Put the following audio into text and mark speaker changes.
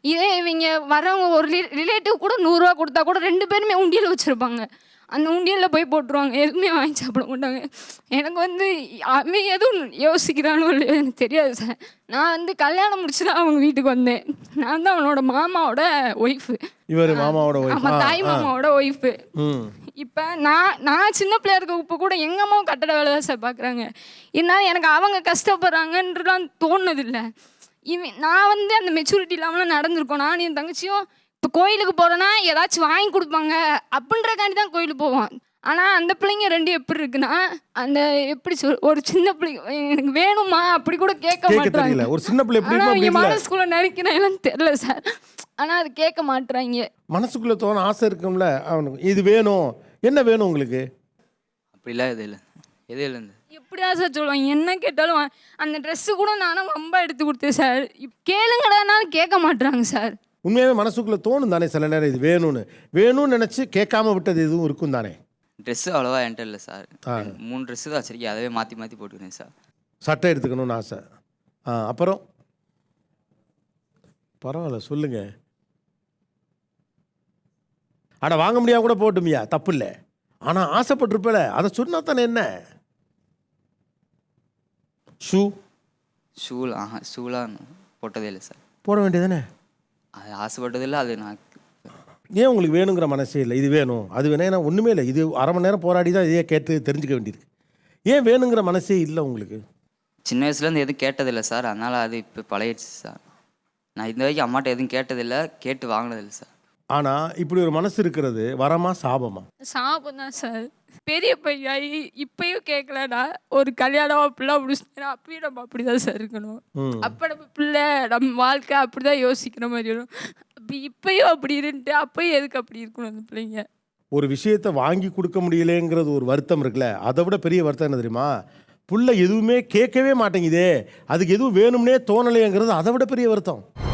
Speaker 1: இதே இவங்க வரவங்க ஒரு ரிலேட்டிவ் கூட 100 ரூபா கொடுத்தா கூட 2 பேருமே உண்டியல் வச்சுருப்பாங்க. அந்த உண்டியலில் போய் போட்டுருவாங்க. எதுவுமே வாங்கி சாப்பிட மாட்டாங்க. எனக்கு வந்து அவன் எதுவும் யோசிக்கிறானோ இல்லையோ எனக்கு தெரியாது சார். நான் வந்து கல்யாணம் முடிச்சு தான் அவங்க வீட்டுக்கு வந்தேன். நான் தான் அவனோட மாமாவோட ஒய்ஃபு.
Speaker 2: இவர் மாமாவோட ஒய்ஃப்.
Speaker 1: ஆமாம், தாய் மாமாவோட ஒய்ஃபு. இப்போ நான் சின்ன பிள்ளையா இருக்க இப்போ கூட எங்கள் அம்மாவும் கட்டட வேலை தான் சார் பார்க்குறாங்க. இருந்தாலும் எனக்கு அவங்க கஷ்டப்படுறாங்கன்றலாம் தோணுதில்லை. நான் வந்து அந்த மெச்சூரிட்டி இல்லாமலாம் நடந்திருக்கோம். நான் என் தங்கச்சியும் இப்போ கோயிலுக்கு போகிறோன்னா ஏதாச்சும் வாங்கி கொடுப்பாங்க அப்படின்றக்காண்டி தான் கோயிலுக்கு போவோம். ஆனால் அந்த பிள்ளைங்க 2 எப்படி இருக்குன்னா, அந்த எப்படி ஒரு சின்ன பிள்ளைங்க எனக்கு வேணுமா அப்படி கூட கேட்க மாட்டாங்க.
Speaker 2: ஒரு சின்ன பிள்ளை எப்படி
Speaker 1: அவங்க மனசுக்குள்ள நினைக்கிறேன் தெரியல சார். ஆனால் அது கேட்க மாட்டுறாங்க.
Speaker 2: மனசுக்குள்ள தோண ஆசை இருக்கும்ல அவனுக்கு, இது வேணும். என்ன வேணும் உங்களுக்கு?
Speaker 3: அப்படிலாம் எது இல்லை, எது இல்லைங்க.
Speaker 1: எப்படியா சார் சொல்லுவாங்க, என்ன கேட்டாலும் அந்த ட்ரெஸ்ஸு கூட நானும் ரொம்ப எடுத்து கொடுத்தேன் சார். கேளுங்கடானாலும் கேட்க மாட்டுறாங்க சார்.
Speaker 2: உண்மையாகவே மனசுக்குள்ளே தோணும் தானே சில நேரம், இது வேணும்னு நினச்சி கேட்காம விட்டது எதுவும் இருக்கும் தானே?
Speaker 3: ட்ரெஸ்ஸு அவ்வளோவா என்கிட்ட இல்லை சார். 3 ட்ரெஸ்ஸு தான் வச்சிருக்கேன், அதவே மாற்றி மாற்றி போட்டுக்கிறேன் சார்.
Speaker 2: சட்டை எடுத்துக்கணும்னு ஆசை. அப்புறம் பரவாயில்ல சொல்லுங்க. ஆனால் வாங்க முடியாம கூட போட்டுமியா, தப்பு இல்லை. ஆனால் ஆசைப்பட்டிருப்பல, அதை சொன்னா தானே என்ன?
Speaker 3: ஷூலாம் போட்டதே இல்லை சார்.
Speaker 2: போட வேண்டியதானே?
Speaker 3: அது ஆசைப்பட்டதில்லை. அது நான்
Speaker 2: ஏன் உங்களுக்கு வேணுங்கிற மனசே இல்லை? இது வேணும் அது வேணும், ஏன்னா ஒன்றுமே இல்லை. இது அரை மணி நேரம் போராடி தான் இதையே கேட்டு தெரிஞ்சுக்க வேண்டியிருக்கு. ஏன் வேணுங்கிற மனசே இல்லை உங்களுக்கு?
Speaker 3: சின்ன வயசுலேருந்து எதுவும் கேட்டதில்லை சார். அதனால் அது இப்போ பழகிடுச்சு சார். நான் இந்த வரைக்கும் அம்மாட்ட எதுவும் கேட்டதில்லை, கேட்டு வாங்கினதில்லை சார்.
Speaker 2: ஆனால் இப்படி ஒரு மனசு இருக்கிறது வரமா சாபமா?
Speaker 1: சாபம் தான் சார். பெரிய பையன் இப்பயும் கேட்கலடா, ஒரு கல்யாணம் அப்படிலாம் முடிச்சுட்டா அப்பயும் நம்ம அப்படிதான் சார் இருக்கணும். அப்போ நம்ம பிள்ளை நம்ம வாழ்க்கை அப்படிதான் யோசிக்கிற மாதிரி வரும். அப்படி இப்பயும் அப்படி இருந்துட்டு அப்பயும் எதுக்கு அப்படி இருக்கணும் அந்த பிள்ளைங்க?
Speaker 2: ஒரு விஷயத்தை வாங்கி கொடுக்க முடியலேங்கிறது ஒரு வருத்தம் இருக்குல்ல, அதை விட பெரிய வருத்தம் என்ன தெரியுமா? புள்ள எதுவுமே கேட்கவே மாட்டேங்குதே, அதுக்கு எதுவும் வேணும்னே தோணலைங்கிறது அதை விட பெரிய வருத்தம்.